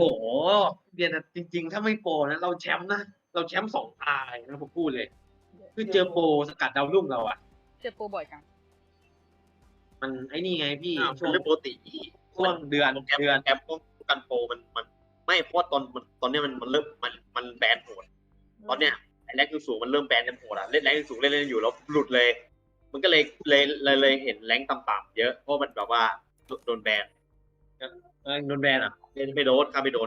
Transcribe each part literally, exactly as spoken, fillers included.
เรียนจริงๆถ้าไม่โปรนะเราแชมป์นะเราแชมป์สองตายนะผมพูดเลยคือเจอโปรสกัดดาวรุ่งเราอ่ะเจอโปรบ่อยจังมันไอ้นี่ไงพี่ช่วงเรื่องปกติช่วงเดือนเดือนแอปป้องกันโปรมันมันไม่เพราะตอนมันตอนนี้มันมันเริ่มมันมันแบนโหดตอนเนี้ยไอ้แรงสูงมันเริ่มแบนกันโหดอ่ะเล่นแรงสูงเล่นเล่นอยู่แล้วหลุดเลย มันก็เลยเลยเลยเลยเห็นแรงต่ำๆเยอะเพราะมันแบบว่าโดนแบนเออโดนแบนอ่ะเล่นไม่โดนข้าไม่โดน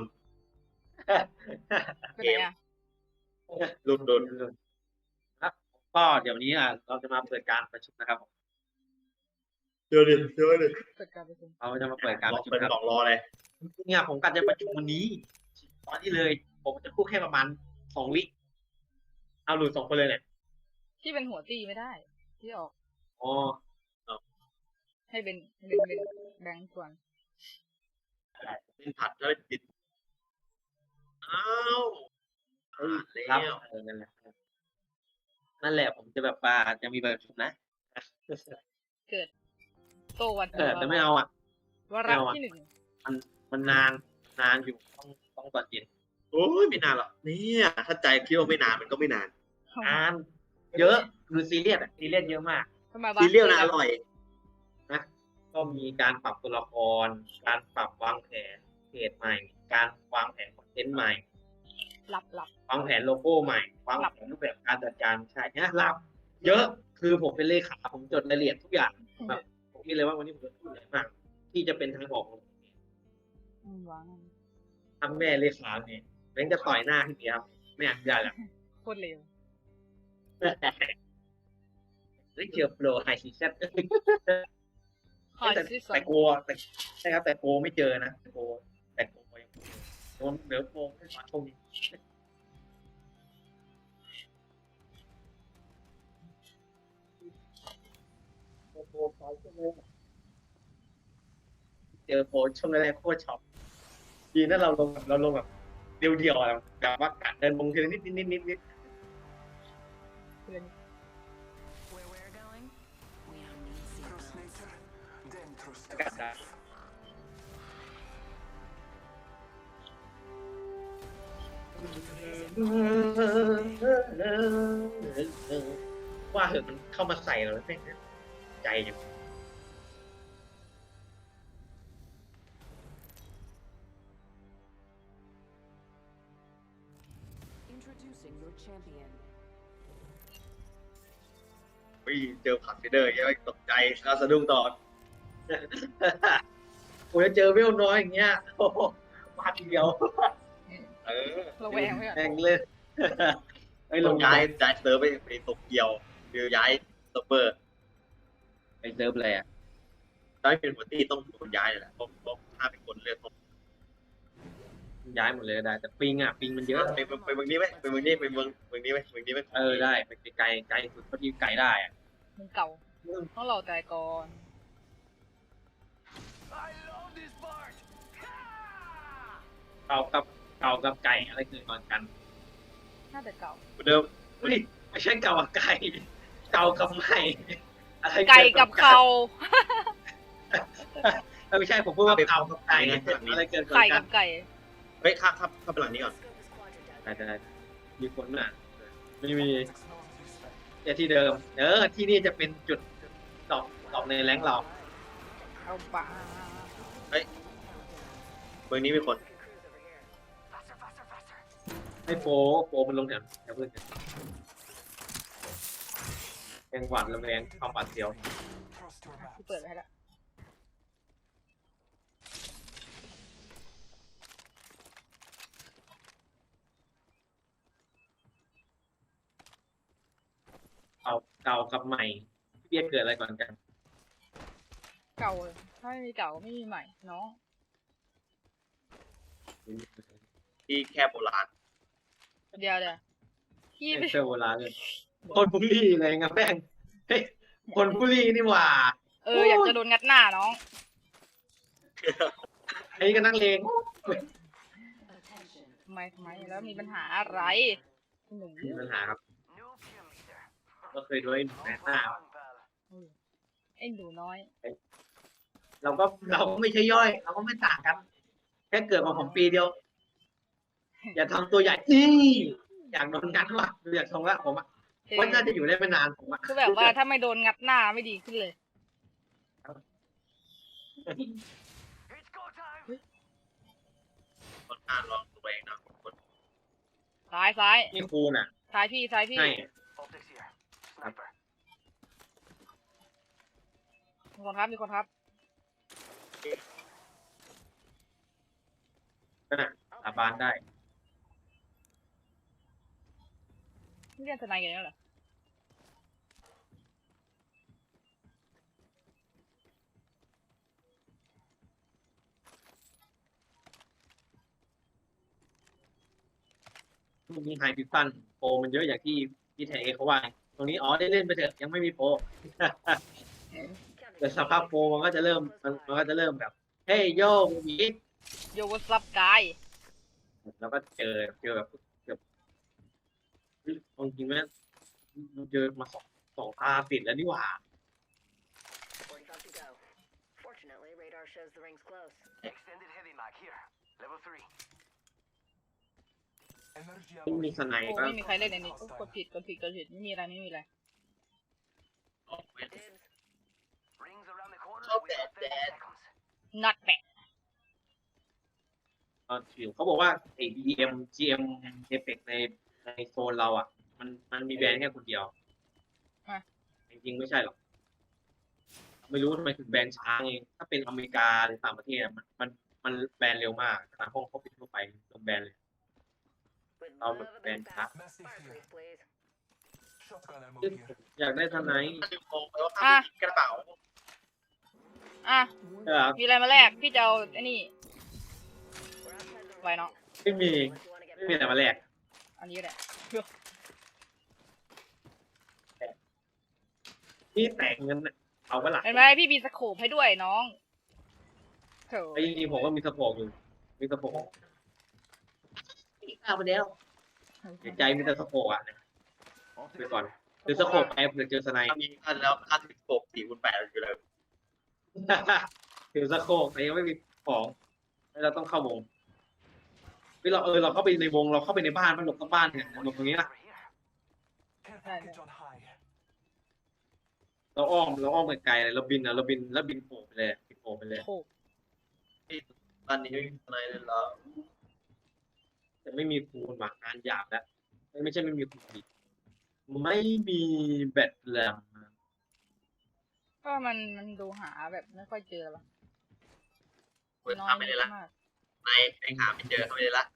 เป็นไงอ่ะหลุดโดนครับก็เดี๋ยวนี้อ่ะเราจะมาเปิดการประชุมนะครับเดี๋ยวดิเดี๋ยวดิเปิดการประชุมเราจะมาเปิดการรปอระชุมเปิดครับกล่องรอเลยเนี่ยผมกะจะประชุมวันนี้ ตอนนี้เลย ผมจะพูดแค่ประมาณสองวิเอาหลุดสองคนเลยเนี่ยที่เป็นหัวตีไม่ได้ ที่ออกอ๋อให้เป็นเป็นเป็นแบงค์ส่วนเล่นผัดแล้วติดอ้าวเฮ้ยแล้ครับวเออนั่นแหละนั่นแหละผมจะแบบว่าจะมีประชุมนะเกิด โตวันเออแต่ไม่เอาอ่ะวาระที่หนึ่งมันมันนานนานอยู่ต้องต้องตอนเย็นโอ้ยไม่นานหรอกเนี่ยถ้าใจคิดว่าไม่นานมันก็ไม่นานนานเยอะคือซีเรียสอะซีเรียสเยอะมากทำไมวะซีเรียลนะอร่อยนะก็มีการปรับตัวละคร การปรับวางแผนเพจใหม่ การวางแผนคอนเทนต์ใหม่หลับหลับวางแผนโลโก้ใหม่ วางแผนรูปแบบการจัดการใช่เนี่ยรับเยอะคือผมเป็นเลขาผมจดรายละเอียดทุกอย่างแบบผมคิดเลยว่าวันนี้ผมจะพูดอะไรมาก ที่จะเป็นทางออกของผมอืมวางทำแม่เลขาเนี่ยแม่งจะต่อยหน้าพี่เดียวไม่อยากได้หรอกโคตรเร็วเฮ้ยเจอโปรไฮซีซั่นหอยแต่ซิสแต่โกแต่ใช่ครับแต่โกไม่เจอนะแต่โกแต่โกยังโดนเดี๋ยวโกไม่มาชมเจอโปรช่วงแรกโคตรช็อปดีนะเราลงเราลงแบบเดียวๆอะแบบว่าการเดินลงทีละนิดนิดนิดนิดนิดเพื่อน Where we're going, we don't need seatbelts. Dentro กัดได้ว่าเหอะมันเข้ามาใส่เราแล้วแม่งใจอย่าง Introducing your champion. วิ่งเจอผัดฟีเดอร์ยังตกใจแล้วสะดุ้งต่อโอ้ยเจอเวลน้อยอย่างเงี้ยโอ้โหมาทีเดียวเออระแวงไว้ก่อนแม่งเลยไอ้ยลลงงย้าย้าย ยย้ายเซิร์ฟไปไปโตเกียวคือย้ายเซิร์ฟเวอร์ไปเซิร์ฟเลยอ่ะได้เป็นหัวตี้ต้องโดนย้ายเลยแหละเพราะเพราะถ้าเป็นคนเลือกย้ายหมดเลยก็ได้ แต่ปิงอ่ะปิงมันเยอะไปไปเมืองนี้ไหมไปเมืองนี้ไปเมืองเมืองนี้ไหมเมืองนี้ไหมเออได้ไปไกลไกลสุดเท่าที่ไกลได้อ่ะมึงเก่าต้องเราใจก่อน I love this part. เก่ากับเก่ากับไก่อะไรเกิดก่อนกันน่าจะเก่าเหมือนเดิมเฮ้ยไม่ใช่เก่ากับไก่เก่ากับไก่อะไรไก่กับเขาเออไม่ใช่ผมพูดว่าเก่ากับไก่อะไรเกิดก่อนไก่กักัน บไก่เฮ้ยข้าข้าข้าไปหลังนี้ก่อนได้ได้มีคนอ่ะไม่มีแต่ที่เดิม เออที่นี่จะเป็นจุดดอกดอกในแรงเราเอาปะเมืองนี้มีคนให้โฟโฟมันลงแถวแถวเพื่อนกันแกงหวานระแวงความหวาดเสียว Trust your กู map. เปิดไว้ให้ละเก่าเก่ากับใหม่เรียกเกิดอะไรก่อนกันเก่าเลยถ้าไม่มีเก่าไม่มีใหม่น้องที่แค่โบราณเดี๋ยวเดี๋ยวพี่เซอร์โบราณเลยคนบุรีอะไรเงี้ยแม่งเฮ้ยคนบุรีนี่หว่าเอออยากจะโดนงัดหน้าน้องไอ้ก็นักเลง Attention. ทำไมทำไมแล้วมีปัญหาอะไรหนุ่มมีปัญหาครับ New kill leader. ก็เคยด้วยหนุ่มแม่หน้า Fun, pal. ไอ้หนูน้อยเราก็เราก็ไม่ใช่ย่อย เราก็ไม่ต่างกัน คค่เกิดมาผมปีเดียว อย่าทำตัวใหญ่นี่อยากโดนงัดว่ะอยากทรงละผมอ่ะคือว่าน่าจะอยู่ได้ไม่นานผมอ่ะคือแบบว่าถ้าไม่โดนงัดหน้าไม่ดีขึ้นเลย It's go time. ต้นหน้าลองตัวเองนะคนซ้ายซ้ายนี่ครูน่ะซ้ายพี่ซ้ายพี่ให้ Optics here. Sniper. มีคนครับมีคนครับนั่นน่ะสาบานได้นี่เรียนทนายกันแล้วเหรอมีไฮพิฟันโปรมันเยอะอย่างที่ที่ไทยเอเขาว่า ตรงนี้อ๋อได้เล่นไปเถอะยังไม่มีโปร แต่สภาพโปรมันก็จะเริ่มมันมันก็จะเริ่มแบบ เฮ้ยโย่มีโยวัซับกายแล้วก็เจอเจอแบบแบบเฮ้ยเอาจริงไหมมันเจอมาสองสองตาติดแล้วนี่หว่า forty-five to go. Fortunately, radar shows the ring's close. Extended heavy mag here. Level three. Energy ไม่มีสไนโอ้ก็ไม่มีใครเล่นในนี้โอ้กดผิดกดผิดกดผิดไม่มีอะไรไม่มีอะไรออกเว้น Dibs. Rings around the corner. Oh, We got bad, thirty bad. seconds. not bad ตอนชิวเขาบอกว่าไอ้ บี เอ็ม จี เอ็ม Apex ในในโซนเราอ่ะ มันมันมีแบรนด์แค่คนเดียวอ่ะจริงๆไม่ใช่หรอก ไม่รู้ทำไมถึงแบนช้าไงถ้าเป็นอเมริกาหรือต่างประเทศอะมันมันมันแบนเร็วมากต่างห้องเขาปิดทั่วไปลงแบนเลย With Oh, love of a Ben, big huh? fast. Fireplace, please. Shotgun ammo ซึ่ง here. อยากได้ทนายถ้าลืมมองไปว่าข้างกระเป๋าอ่ะเออมีอะไรมาแลกพี่จะเอาไอ้นี่ We're outside the Why ring. not? ไม่มี Unless you wanna get ไม่มีอะไรมาแลกอันนี้แหละนี่แต่งเงินน่ะเอาไว้หลักเห็นไหมพี่มีสโคปให้ด้วยน้องโถไอ้จริงๆผมก็มีสโปกอยู่ มีสโปกอีกข้าวไปแล้วเสียใจมีแต่สโปกอ่ะเนี่ยไปก่อนหรือสโปกไปเผื่อเจอสไนถ้ามีค่าแล้วค่าสิบหกสี่คูณแปดอยู่เลยถือสโคกแต่ยังไม่มีของแล้วเราต้องเข้าวงเฮ้ยเราเออเราเข้าไปในวงเราเข้าไปในบ้านมันหลบทั้งบ้านเนี่ยหลบตรงนี้นะ Over here. Care Right, package on high. เราอ้อมเราอ้อมไกลๆเลยเราบินอะเราบินแล้วบินโผล่ไปเลยบินโผล่ไปเลยโถตอนนี้ไม่มีอะไรเลยเหรอแต่ไม่มีคูณหมากงานหยาบแล้วไม่ใช่ไม่มีคูณดิไม่มีแบตแลมก็มันมันดูหาแบบไม่ค่อยเจอหรอกเปิดน้อยทำไม่ได้ละมากในในหาไม่เจอเขาไม่ได้ละ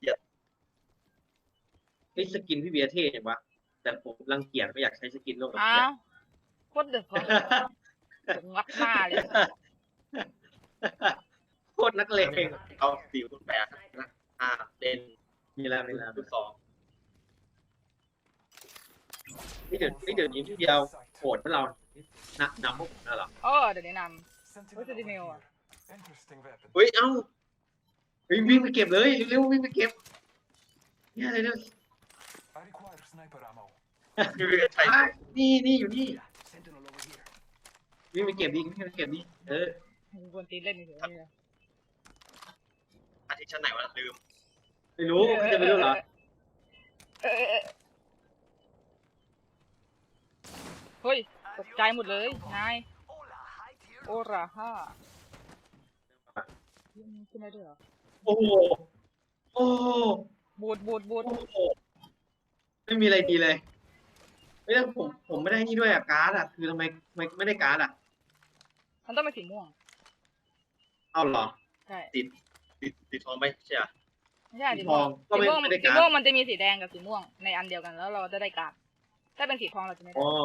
ไอ้ยสกินพี่เบียร์เท่จังวะแต่ผมรังเกียจไม่อยากใช้สกินโลกแบบอ้าเนี้ยวโคตรเดือดผมงัดหน้าเลยโคตรนักเลงเอาสี่คูณแปดห้าเล่นมีแล้วมีแล้วคูณสองนี่เดี๋ยวนี่เดี๋ยวนี้พี่เดียวโหดพวกเรานักนำพวกผมแล้วเหรอโอ้เดี๋ยวแนะน Sentinel Sentinel over ah. here. Interesting weapon. เฮ้ยเอ้าเฮ้ยวิ่งไปเก็บเลยเร็วๆวิ่งไปเก็บเนี่ยอะไรเนี่ย I require sniper ammo. ใช่อ่ะนี่นี่อยู่นี่ Sentinel over here. วิ่งไปเก็บดิวิ่งไปเก็บดิเออำควรตีนเล่นเฉยๆนี่นะอาทิตย์ชั้นไหนวะลืมไม่รู้พี่จะไปรู้เหรอเออเออเออเฮ้ยตกใจหมดเลยนาย Hola, high tier. โอราฮ่าขึ้นได้ด้วยเหรอโอ้โหโอ้โหบูดบูดบูดโอ้โหไม่มีอะไรดีเลยไม่ได้ผมผมไม่ได้นี่ด้วยอะการ์ดอะคือทำไมทำไมไม่ได้การ์ดอะมันต้องเป็นสีม่วงเอาเหรอใช่ติดติดทองไปใช่ไหมไม่ใช่สีทม่วอง งก็สีไม่ม่วงไม่ได้สีการ์ม่วงดมันจะมีสีแดงกับสีม่วงในอันเดียวกันแล้วเราจะได้การ์ดถ้าเป็นสีทองเราจะไม่ได้อ๋อ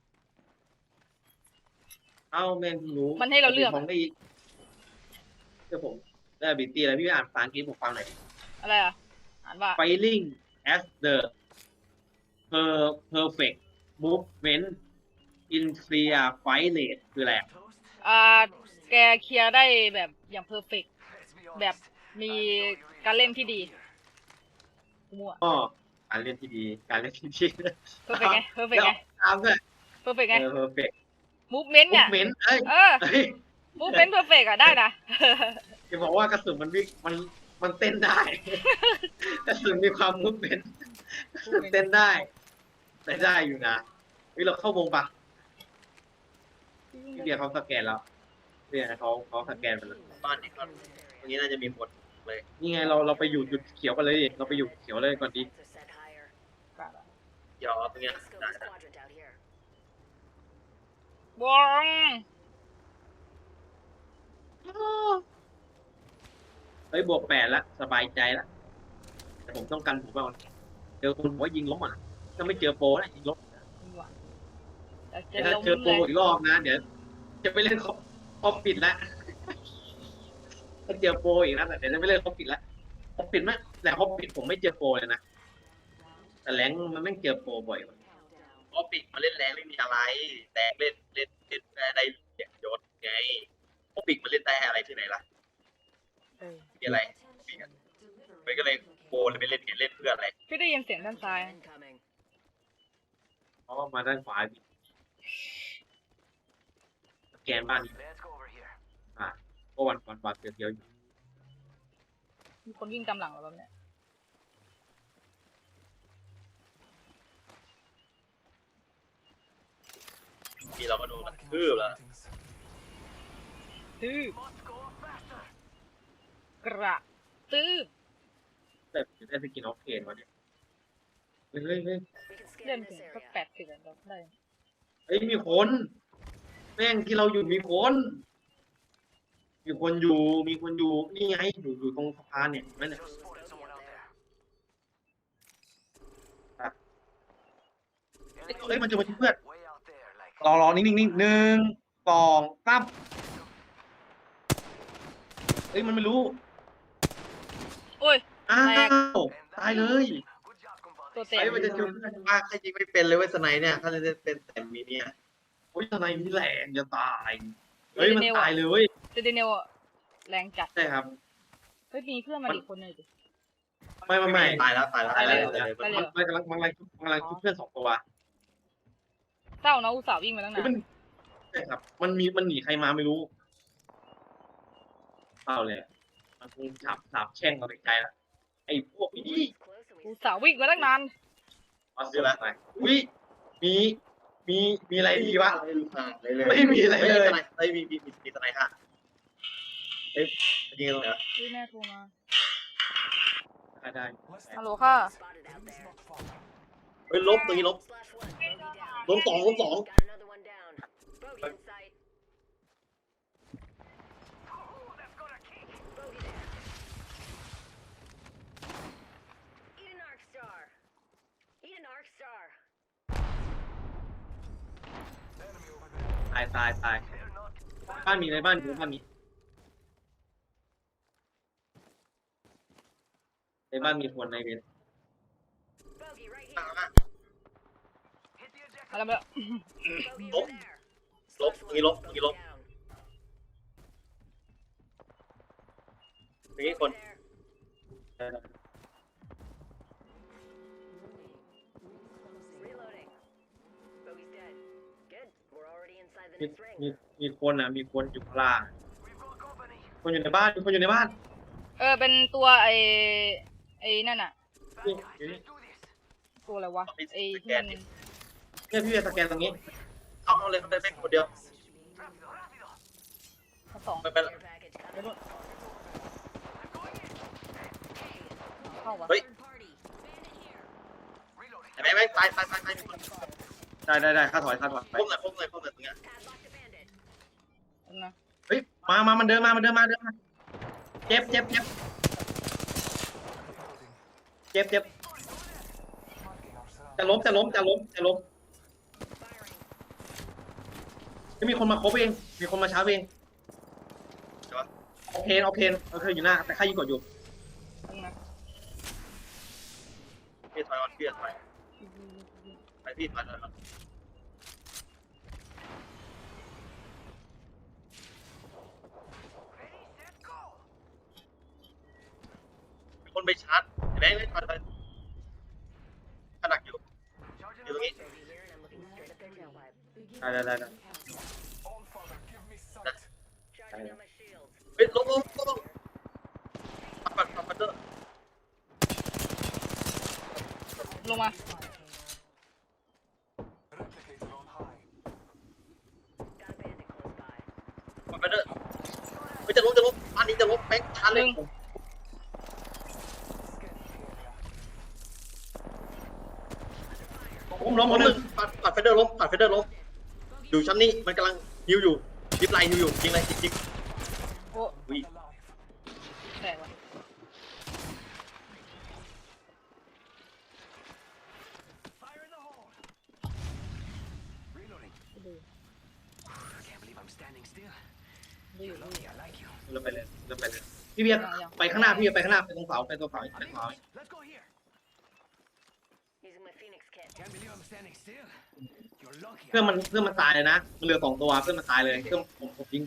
เอ้าแม่งเพิ่งรู้มันให้เราเลือกทองได้เดี๋ยวผมได้บิตี้แล้วพี่อ่านภาษาอังกฤษผมฟังหน่อยอะไรอ่ะอ่านว่า Firing as the per perfect movement in clear fight rate คืออะไรอะ Toast. อ่าแกเคลียร์ได้แบบอย่างเพอร์เฟก Let's be แบบ honest. มี I know you really การเล่น like ที่ดี it here. มั่วก็การเล่นที่ดี การเล่นที่ดีเพอร์เฟกไงเพอร์เฟกไงตามด้วยเพอร์เฟกไงเออ perfect มูฟเมนต์เนี่ย movement เอ้ยเออเฮ้ยมูฟเมนต์เพอร์เฟกอะได้นะเจะบอกว่ากระสุนมันวิ่งมันมันเต้นได้ กระสุนมีความมุดเป็นกระสุนเต้นได้ได้ได้อยู่นะเฮ้ยเราเข้าวงปะพี่เบียร์เขาสแกนแล้วเบียร์เขาเขาสแกนไปแล้วบ้านนี้ก็ตรงนี้น่าจะมีคนเลยนี่ไงเราเราไปอยู่จุดเขียวกันเลยดิเราไปอยู่เขียวเลยก่อนดี So set higher. กะละเดี๋ยวเอาตรงเนี้ย Let's go ได้ to quadrant out here. วองเฮ้ยบวกแปดละสบายใจละแต่ผมต้องกันผมว่าเจอคนบอกว่ายิงล้มอ่ะถ้าไม่เจอโปรนะยิงล้มนี่หว่าแต่เจแต่อถ้าลมเจอโปรเลยอีกรอบนะเดี๋ยวจะไปเล่นคอปคอปปิดละถ้าเจอโปรอีกนะแต่เดี๋ยวจะไม่เล่นคอปปิดละคอปปิดไหมแต่คอปปิดผมไม่เจอโปรเลยนะแต่แรงมันไม่เจอโปรบ่อยว่ะเพราะปิกมาเล่นแรงไม่มีอะไร แต่เล่นเล่นเล่นได้เสียงยศไงเพราะปิกมันเล่นได้อะไรที่ไหนล่ะเออมีอะไรปิกอะมันก็เลยโบเลยไปเล่นเล่นเพื่ออะไรพี่ได้ยินเสียงด้านซ้าย Incoming. เพราะว่ามาด้านขวาดิสแกนบ้านนี้ Let's go over here. อ่ะก็วันวันวันเดียวๆอยู่มีคนวิ่งตามหลังเราแบบเนี้ยที่เราก็โดนกระ Marking ทืบ our แล้ว surroundings. ตื้อ Must go faster. กระตื้อแต่ผมได้สกินออฟเคนมาเนี่ยเฮ้ยเฮ้ยเฮ้ย We can เล่น scan ถึง this ก็ area. แปดสิบแล้วได้เฮ้ยมีคนแม่งที่เราอยู่มีคนมีคนอยู่มีคนอยู่นี่ไงอยู่อยู่ตรงสะพานเนี่ยนั่นแหละ Just spotted someone out there. เฮ้ยมันจะมาที่เพื่อน Way out there, like. รอรอนิ่งนิ่งนิ่งหนึ่งสองสามเฮ้ยมันไม่รู้โอ้ยอ้าแตกวตายเลย Good job, compadre. ตัวเต็ไอ้มมันจะจุดว่าใครยิงไม่เป็นเลยเว้ยสไนเนี่ยถ้าจะเป็นแต่มีเนี่ยโอ้ยทนายมีแรงจะตายเฮ้ยมันตายเลยเว้ยเจเดเนลอะแรงจัดใช่ครับเฮ้ยมีเพื่อนมาอีกคนหนึ่งดิไม่ไม่ไม่ตายแล้วตายแล้วตายแล้วตายมันแล้วมันกำลังมันกำลังมันกำลังชุบเพื่อนสองตัวเศร้านะอุตส่าห์วิ่งมาตั้งเฮ้นาย นมันใช่ครับ มันมีมันหนีใครมาไม่รู้เปล่าเลยมันคงฉับสาบแช่งเราไปไกลแล้วไอ้พวกนี้ Close and อุ we ตส่าห์วิ่งมาตั้งนานมาซื้อละอุ้ยมีมีมีอะไรดีวะไม่รู้ค่ะเลยเลยไม่มีอะไรเลยสไนเอ้ยมีมีมีมีสไนค่ะเอ้ยยิงตรงไหนวะพี่แม่โทรมาได้ได้ Let's Hello, take ha. this. spotted out Enemy's there. not far. เฮ้ยลบตรงนี้ลบ Slash one. Bogey down. ลบสองลบสอง Got another one down. Bogey in sight. Oh, that's got a kick. Bogey there. Eat an arc star. Eat an arc star. Enemy over there. ตายตายตาย They're not. บ้านมีอะไรบ้านอยู่บ้านมีในบ้านมีคนในเวร Bogey right ตั้ง here. แล้ว Hit the ejector. มาแล้วมาแล้ว Bogey Lốp. over there. Lốp, Slash tụi lốp, one. tụi Bogey lốp. down. มีคน Bogey there. Reloading. Bogey's dead. Good. We're already inside the มี next ring. มีมีคนอ่ะมีคนอยู่ข้างล่าง We've got company. คนอยู่ในบ้านมีคนอยู่ในบ้านเออเป็นตัวไอไอนั่นอะ Bad Yeah, guys, yeah. let's do this. ตัวอะไรวะไอที่มันเนี่ยพี่จะสแกนตรงนี้เอาเอาเลยเขาได้แม่งคนเดียว Rápido, rápido. ทั้งสองไม่เป็นไร Care package เดี๋ยว coming. เข้าวะเฮ้ย Third party. Bandit here. Reloading. ไอ้แม่งแม่งตายตายตายตายมีคนได้ได้ได้ข้าถอยข้าถอยไปพุ่มหน่อยพุ่มหน่อยพุ่มหน่อยตรงเนี้ย Padlock to bandit. เอานะเฮ้ยมามามันเดินมามันเดินมาเดินมาเจ็บเจ็บเจ็บ Reloading. เจ็บเจ็บ Marking our จะ surroundings. ล้มจะล้มจะล้มจะล้ม Firing. จะมีคนมาครบเอง มีคนมาช้าเองใช่ปะโอเคโอเคโอเคอยู่หน้าแต่ข้ายิงกดอยู่เอานะพี่ถอยก่อนพี่ถอยไปพี่ถอยถอยก่อน Ready, set, go. มีคนไปชาร์จไอ้แม่งเลยถอยถอยขนักอยู่ Charging อยู่ตรง up. นี้ Bogey here, and I'm looking straight at their tailpipe. ได้ได้ได้ได้ All father, give me sight. Charging on my shields. เฮ้ยลบลบลบเดอร์ลงมา Replicator on high. Got a bandit close by. สไปเดอร์ไม่จะล้มจะล้มอันนี้จะล้มแม่งทันเลย Scanning the area. ผมล้มหมล้ดมหหนึ่นึ่งงปัดปัดเฟเดอร์ล้มปัดเฟเดอร์ล้มอยู่ชั้นนี้มันกำลังฮิวอยู่ยิบไลน์ฮิวอยู่ยิงเลยยิงยิงโอ้อุ้ย Alive. แตกว่ะ Fire in the hole. Reloading. ดู Can't believe I'm standing still. ดูอยู่ดูอยู่ I like you. เราไปเลยเราไปเลยพี่เบียร์ไปข้างหน้าพี่เบียร์ไปข้างหน้าไปตรงเสาไปตรงเสาไปตรงเสา Let's go here. Using my Phoenix kit. Can't believe I'm standing still. You're lucky. เพื่อนมันเพื่อนมันตายเลยนะมันเหลือสองตัวเพื่อนมันตายเลยเพื่อนผมผมยิง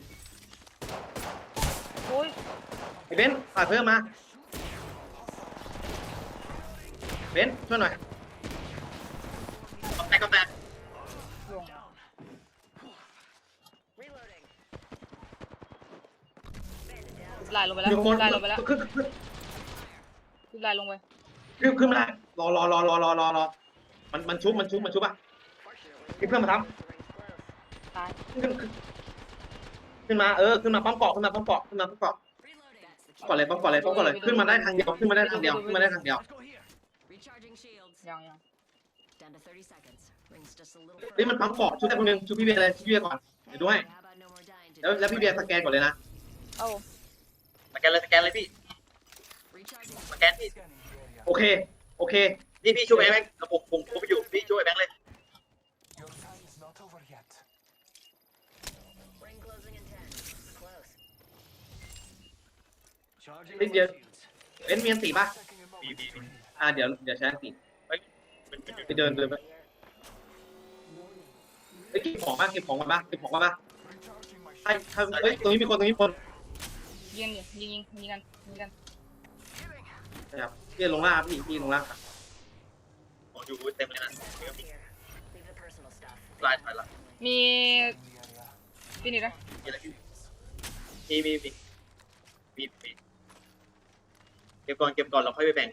โอ้ยไอ้เบนซ์ฝากเพิ่มมาเบนซ์ช่วยหน่อยก็แตกก็แตกลง Reloading. Bandit down. ลายลงไปแล้วมีคนลายลงไปแล้วขึ้นขึ้นลายลงไปขึ้นขึ้นไม่ได้รอรอรอรอรอรอรอมันมันชุบมันชุบมันชุบอ่ะ Fortunately, พี่เพื่อนมาท the ring's close. ตายำขึ้นขึ้นขึ้นมาเออขึ้นมาปั๊มเกาะขึ้นมาปั๊มเกาะขึ้นมาปั๊มเกาะ Reloading. ก่อนเลยปั๊มก่อนเลยปั๊มก่อนเลยขึ้นมาได้ทางเดียวขึ้นมาได้ทางเดียวขึ้นมาได้ทางเดียว Let's go here. Recharging shields. ยังยัง Down to thirty seconds. Rings just a little เฮ้ยมันปั๊มเกาะชุบได้คนหนึงชุบพี่เบียร์เลยชุบพี่เบียร์ก่อนเดี๋ยวด้วย How about no more dying แล้ว today? แล้วพี่เบียร์สแกนก่อนเลยนะเอ้าสแกนเลยสแกนเลยพี่ Recharging. สแกนพี่ Scanning the area. โอเคโอเคนี่พี่ช่วยไอ้แบงค์ผมผมผมไปอยู่พี่ช่วยไอ้แบงค์เลย Your time is not over yet. Ring closing in ten. Close. Charging Bên my kia. shields. เบนซ์มีอันตีป่ะ Taking a moment Đi, đi, to đi. heal. อ่าเดี๋ยวเดี๋ยวใช้อันตีเป็นเป็นเป็นไปเดินเดินไป Here. เฮ้ยเก็บของป่ะเก็บของกันป่ะเก็บของกันป่ะ Recharging my ใช่ shields. ใช่เฮ้ยตรงนี้มีคนตรงนี้มีคนยิงยิงยิงยิงกันยิงกัน Healing. นะครับพี่ลงล่างพี่พี่ลงล่างครับของอยู่เต็มเลยนะ Stuff here. Leave the personal stuff. ลายถอยละมี In the area. ที่นี่นะมีอะไรพี่มีมีมีมีมีเก็บก่อนเก็บก่อนเราค่อยไปแบ่ง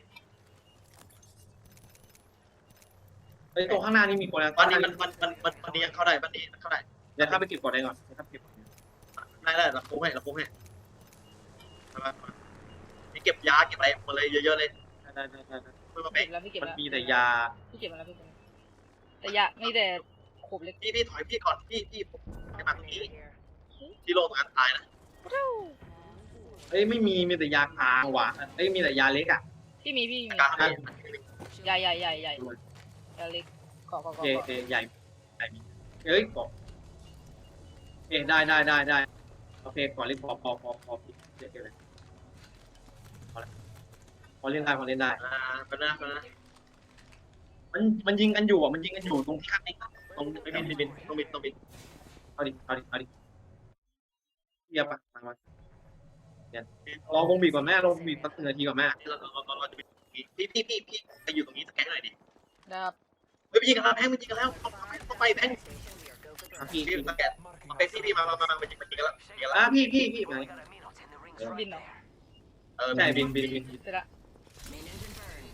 เฮ้ยตรงข้างหน้านี่มีคนนะบ้านนี้มันมันมันมันมันนี้ยังเข้าได้บ้านนี้เข้าได้เดี๋ยวข้าไปเก็บก่อนได้ก่อนเดี๋ยวข้าเก็บก่อนได้ได้เราคุ้งให้เราคุ้งให้มามามานี่เก็บยาเก็บอะไรหมดเลยเยอะๆเลยได้ได้ได้ได้เพื่อมาเก็แบ่งบแล้วพี่เก็บมันแล้วมีแต่ยาพี่เก็บมาแล้วพี่เก็บมาแต่ยามีแต่ขบเล็กพี่พี่ถอยพี่ก่อนพี่พี่ผมไม่มาตรงนี้ Here. ที่โลตรงนั้นตายนะเอ้ยไม่มีมีแต่ยากลางว่ะเอ้ยมีแต่ยาเล็กอ่ะพี่มีพี่มีกลางนี่ใหญ่ใหญ่ใหญ่ใหญ่ยาเล็กเกาะเกาะโอเกาะเคโอเกาะเคใหญ่ใหญ่มีเอ้ยบอกเอ้ยได้ได้ได้ได้โอเคก่อนเล่นพอพอพอพอพี่เดี๋ยวเดี๋ยวเลยพอแล้วพอเล่นได้พอเล่นได้อ่าเป็นนะเป็นนะมันมันยิงกันอยู่อ่ะมันยิงกันอยู่ตรงที่ข้างนี้ตรงไม่บินไม่บินต้องบินต้องบินเอาดิเอาดิเอาดิเรียบปะมามาเดี๋ยวรอวงบีบก่อนแม่รอวงบีบสักหนึ่งนาทีก่อนแม่เราเราเราเราจะบินพี่พี่พี่พี่ไปอยู่ตรงนี้สแกนหน่อยดินะครับเฮ้ยไปยิงกันแล้วแพงมันยิงกันแล้วต้องไปแพง Station, we are go for อ่ะ broke. พี่พี่พี่สแกน Marking โอเคพี่พี่มามามามามันยิงมันยิงกันแล้วยิงกันแล้วอ่ะพี่พี่พี่ไหน We got a minute and the ring's Yeah. right บินเหรอ there. เออใช่บินบินบินเสร็จละ Main engine burn.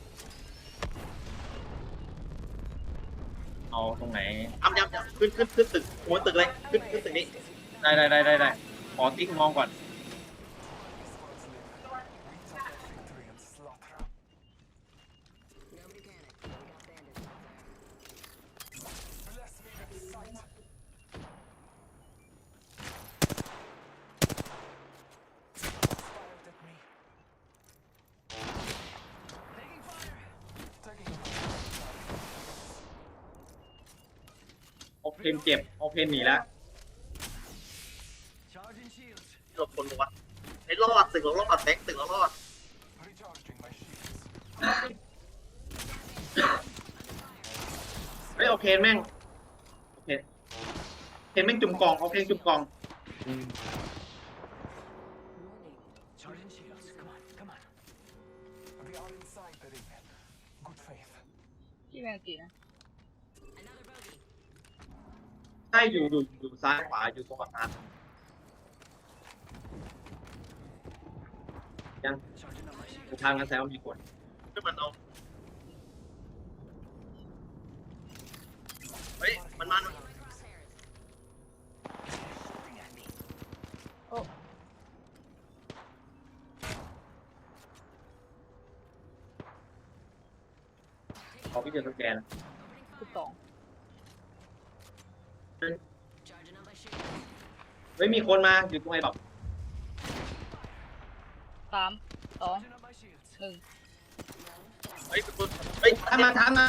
เอาตรงไหนทำยำยำขึ้นขึ้นขึ้นตึกหัวตึกเลยขึ้นขึ้นตึกนี้ได้ได้ได้ได้ได้ขอติ๊กมองก่อน Squads live. We talk of victory and slaughter. Nobody panic. We got bandits out there. Bless me with sight. Fired at me. Taking fire. Taking fire. โอเพนเจ็บโอเพนหนีแล้ว Charging shields. หลบคนบอกว่าไอ้รอดตึกเรารอดแบงค์ตึกเรารอด Recharging my shields. เฮ้ยโอเพนแม่งโอเคเพนแม่งจุ่มกองโอเพนจุ่มกอง Charging shields. Come on, come on. We are inside the ring. Good faith. พี่แมนตีนะ Another bogey. ใช่อยู่อยู่อยู่ซ้ายขวาอยู่ตรงกับตายัง Charging on my shields. ทางนั้นแซวามีคนขึ้นมันเอาเฮ้ยมันมันโอ้ขอพี่เจอสแกนสิบสอง Charging up my shield. ไม่มีคนมาอยู่ตรงไอ้แบบสามสอง Charging up my shields. หนึ่งเฮ้ยเฮ้ยทำมาทำมา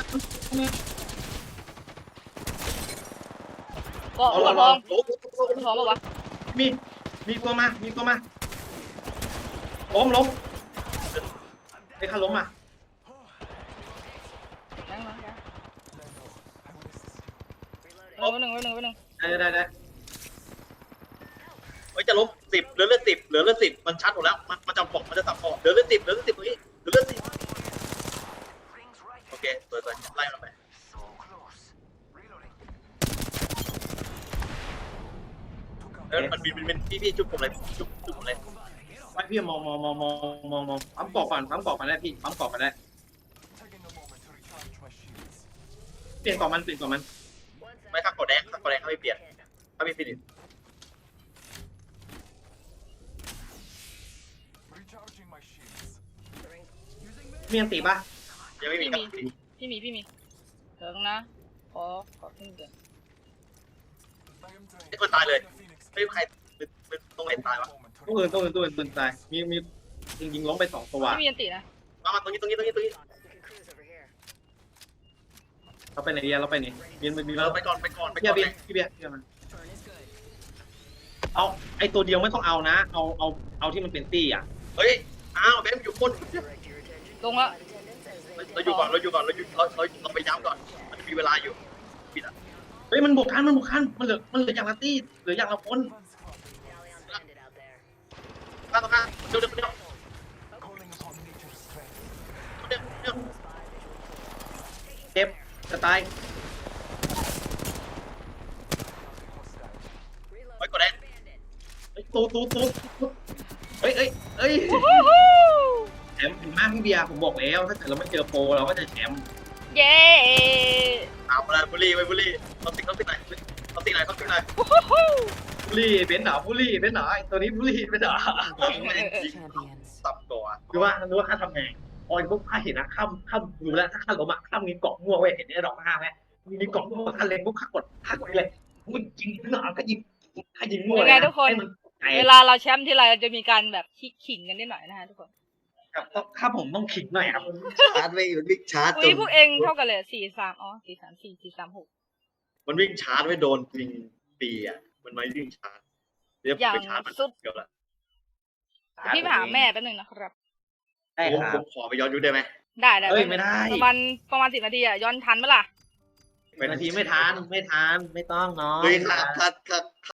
ก็เอาหัวลทออง งโอ้หัวทองปะวะมีมีตัวมามีตัวมาล้มล้มไอ้ข้าล้มอ่ะยังนะยัง Lando, I will assist you. เออไปหนึ่งไปหนึ่งไปหนึ่งได้ได้ได้เฮ้ยจะล้มสิบเหลือเลือดสิบเหลือเลือดสิบมันชัดหมดแล้วมันมันจะบอกมันจะสับบอกเหลือเลือดสิบเหลือเลือดสิบตรงนี้เหลือเลือดสิบ Rings right. โอเคสวยๆไล่มันไป So close. Reloading. เออมันบินบินบินพี่พี่จุ๊บผมเลยจุ๊บจุ๊บผมเลยไว้พี่มองมองมองมองมองมองปั๊มกรอกก่อนปั๊มกรอกมาได้พี่ปั๊มกรอกมาได้ Taking a moment to recharge my shields. เปลี่ยนกรอกมันเปลี่ยนกรอกมัน One sec. ไม่ข้างกดแดงข้างกดแดงเขาไม่เปลี่ยนเขาไม่ฟินิช Recharging my shields. The ring. มีอันตีปะยังไม่มีพี่ครับมีพี่มีพี่มีเดี๋ยวนะขอขอขึ้นเดือน I am drained. ไอ้คนตายเลย The Phoenix ไม่ใครตรงไหนตายวะ moment to ตัวอื่นตัวอื่นตัวอื่นปืนตายมีมียิงยิงล้มไปสองตัวไม่มีอันตินะมามาตรงนี้ตรงนี้ตรงนี้ตรงนี้ We can cruise over here. เราไปไหนดีเราไปไหนเบียนมีเอเราอไปก่อนไปก่อนไปเบีก่ยอนร์เบียร์พี่เบียร์พี่เบียร์มัน Turn is good. เอาไอตัวเดียวไม่ต้องเอานะ เอาเอาเอาที่มันเป็นตี้อ่ะเฮ้ยอ้าวแบมอยู่คน Direct your attention. ลงละ Flight attendants as they เราอยู่ก่อนเราอยู่ก่อนเราอยู่เราเราเราไปย้ำก่อนมันมีเวลาอยู่ปิดอ่ะเฮ้ยมันบุกทันมันบุกทันมันเหลือมันเหลืออย่างละตี้เหลืออย่างละคน One squad. Tally on bandit out there. ข้างตรงข้างเดี๋ยวเดี๋ยวเดี๋ยว Calling upon nature's strength. เดี๋ยวเดี๋ยวเจ็บจะตาย Reload. ไปกดแดง Bandit. เฮ้ยตูตูตูเฮ้ยเฮ้ยเฮ้ยวู้ฮู้ฮู้แชมป์ถึงมากพี่เบียร์ผมบอกแล้วถ้าเกิดเราไม่เจอโปรเราก็จะแชมป์เย้เอาไปเลยบุรีไปบุรีเราติ๊กเราติ๊กไหนเราติ๊กไหนเขาติ๊กไหนวู้ฮู้ฮู้บุลี่เป็นเหรอบุลี่เป็นเหรอไอ้ตัวนี้บุลี่เป็นเหรอ Champions. สับตัวคือว่ารู้ว่าข้าทำไงออยพวกข้าเห็นนะข้ามข้ามดูแล้วถ้าข้าล้มอ่ะข้ามมีเกาะมั่วเว้ยเห็นไอ้ดอกห้าไหมมีเกาะมั่วข้าเล็งพวกข้ากดข้ากดเลยมึงยิงหนาก็ยิงข้ายิงมั่วยังไงทุกคนไอ้เวลาเราแชมป์ที่ไรจะมีการแบบขิงกันนิดหน่อยนะฮะทุกคนกับข้าผมต้องขิงหน่อยครับชาร์จไม่มันวิ่งชาร์จอุ้ยพวกเองเท่ากันเลยสี่สามอ๋อสี่สามสี่สี่สามหกมันวิ่งชาร์จไม่โดนยิงปีอ่ะมันไม่วิ่งชาร์จเดี๋ยวไปชาร์จมันเกือบละพี่ไปหาแม่แป๊บนึงนะครับได้ผมคผรับมขอไปย้อนยุคได้ไหมได้ได้เอ้ยไม่ได้ประมาณประมาณสิบนาทีอะย้อนทันไหมล่ะเป็นนาทีไม่ทานไม่ทานไม่ต้องเนาะเฮ้ยถ้าถ้าถ้า